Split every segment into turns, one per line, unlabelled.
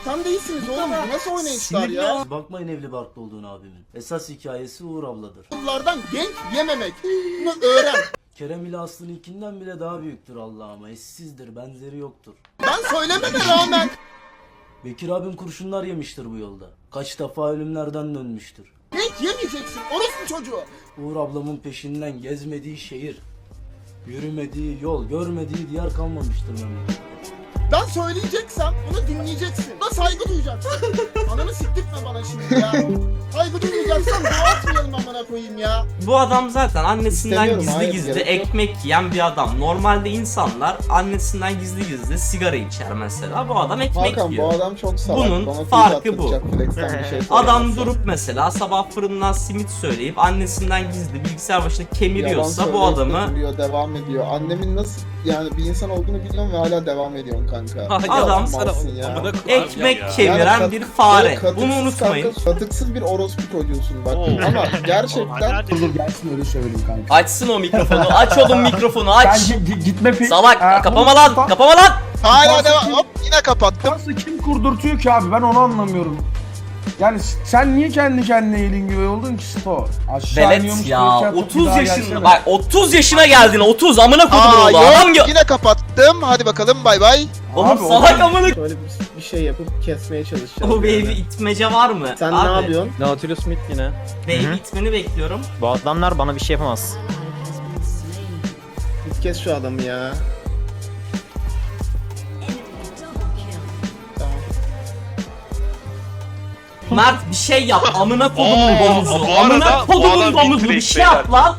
Tam değilsiniz oğlum. Bu nasıl oynayışlar ya?
Bakmayın evli barklı olduğunu abimin. Esas hikayesi Uğur abladır.
Bunlardan genç yememek. Bunu öğren.
Kerem ile Aslı'nın ikinden bile daha büyüktür Allah'ıma. Eşsizdir, benzeri yoktur.
Ben söylememe rağmen.
Bekir abim kurşunlar yemiştir bu yolda. Kaç defa ölümlerden dönmüştür.
Genç yemeyeceksin. Orospu çocuğu.
Uğur ablamın peşinden gezmediği şehir, yürümediği yol, görmediği diyar kalmamıştır memlekette.
Ben söyleyeceksem bunu dinleyeceksin. Buna saygı duyacaksın. Ananı siktirtme bana şimdi ya. Saygı duymayacaksan dua atmayalım amına koyayım ya.
Bu adam zaten annesinden
İstemiyorum,
gizli
hayır,
gizli
gerek yok.
ekmek yiyen bir adam. Normalde insanlar annesinden gizli gizli sigara içer mesela. Bu adam ekmek
Hakan
yiyor.
bu adam çok salak.
Bunun
Bana
farkı bu.
flex'ten bir şey
Adam
söylemezse.
durup mesela sabah fırından simit söyleyip annesinden gizli bilgisayar başında
Yalan
kemiriyorsa bu
söyleyip
adamı
götürüyor, devam ediyor. Annemin nasıl yani bir insan olduğunu biliyorum ve hala devam ediyorsun kanka.
Adam
Yapmalsın ya.
ekmek kemiren
Yani
bir fare.
katıksız
Bunu unutmayın.
kanka, katıksız bir orospu çocuğusun bak. Ama gerçekten
Dur gelsin öyle söyleyeyim kanka.
Açsın o mikrofonu. Aç oğlum mikrofonu aç.
Gitme pek.
Salak kapama lan. Kapama lan.
Hala devam. Hop yine kapattım.
Nasıl kim kurdurtuyor ki abi ben onu anlamıyorum. Yani sen niye kendi kendine elin gibi oldun ki Sto? Aşağı
Velet
iniyormuş
ya
gibi yapıp
30
bir daha
yaşında
gelsene.
bak 30 yaşına geldin 30 amına kodumun
Aa
oğlu adam
yok yine kapattım. Hadi bakalım bay bay.
Oğlum
Abi,
salak amına
şöyle bir şey yapıp kesmeye çalışacağım.
o baby itmece var mı?
Sen
Abi,
ne yapıyorsun?
Nautilus Smith yine.
Baby itmeni bekliyorum.
Bu adamlar bana bir şey yapamaz.
Git kes şu adamı ya.
Mert bir şey yap amına kodumun
Aa,
domuzu.
bu arada
Amına
bu
kodumun
adam
domuzu bir
bitirek
şey yap lan.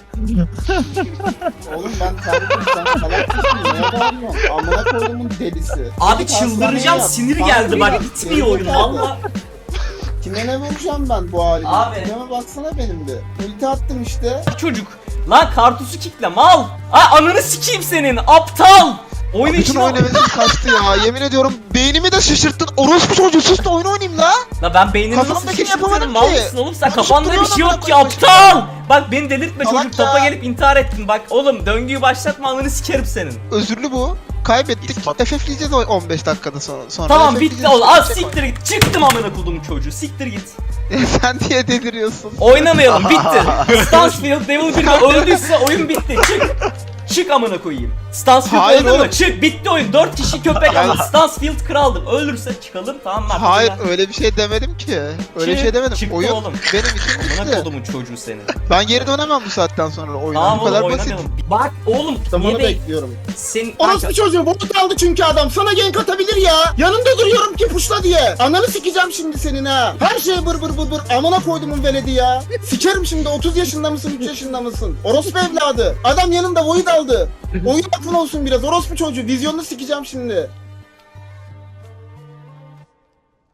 Oğlum ben tanrım sen salak mısın? Neye bağırıyorsun? Amına koyduğumun delisi.
Abi
Git hastaneye
çıldıracağım
yat.
sinir
Hastaneye
geldi bak
yat.
gitmiyor oyun
Gerizekalı.
valla.
Kime ne vuracağım ben bu halime?
Abi.
Kime baksana benim de. Ulti attım işte.
Çocuk. Lan kartusu kickle mal. Aa ananı sikeyim senin aptal. Oyun
Bütün
içine...
oyun hevesim kaçtı ya. Yemin ediyorum beynimi de şaşırttın. Orospu çocuğu sus da oyun oynayayım la.
La ben beynimi nasıl
Kafamdakini
şişirtirim
yapamadım
mal
ki.
mısın oğlum sen
Konuşup
kafanda bir
duruyorum
şey
amına
yok ki
koyayım
aptal. Bak beni delirtme
Salak
çocuk topa
ya.
gelip intihar ettin bak oğlum döngüyü başlatma ananı sikerim senin.
Özürlü bu. Kaybettik. FF'leyeceğiz 15 dakikada sonra.
Tamam
FF'leyeceğiz.
bitti oğlum az
Şey
siktir git çıktım amına kodumun çocuğu siktir git.
Sen diye deliriyorsun.
Oynamayalım bitti. Stansfield Devil 1'de öldüyse oyun bitti çık. Çık amına koyayım. Stansfield
Hayır
öldü
oğlum.
mü? Çık bitti oyun. 4 kişi köpek ama Stansfield kraldım. Ölürse çıkalım tamam mı?
Hayır öyle bir şey demedim ki. Öyle bir şey demedim.
Çıktı
Oyun
oğlum.
benim için
Amına
bitti.
kodumun çocuğu senin.
Ben geri dönemem bu saatten sonra oyuna.
Tamam
Bu kadar
oğlum
basit.
oynamayalım. Bak oğlum
Zamanı
niye değil?
bekliyorum.
Sen
Orospu çocuğu bot aldı çünkü adam. Sana gank atabilir ya. Yanında duruyorum ki puşla diye. Ananı sikeceğim şimdi senin ha. Her şey bır bır bır bır. Amına koydumun veledi ya. Sikerim şimdi 30 yaşında mısın 3 yaşında mısın? Orospu evladı. Adam yanında void aldı. Oyun aklın olsun biraz. Orospu çocuğu. Vizyonunu sikeceğim şimdi.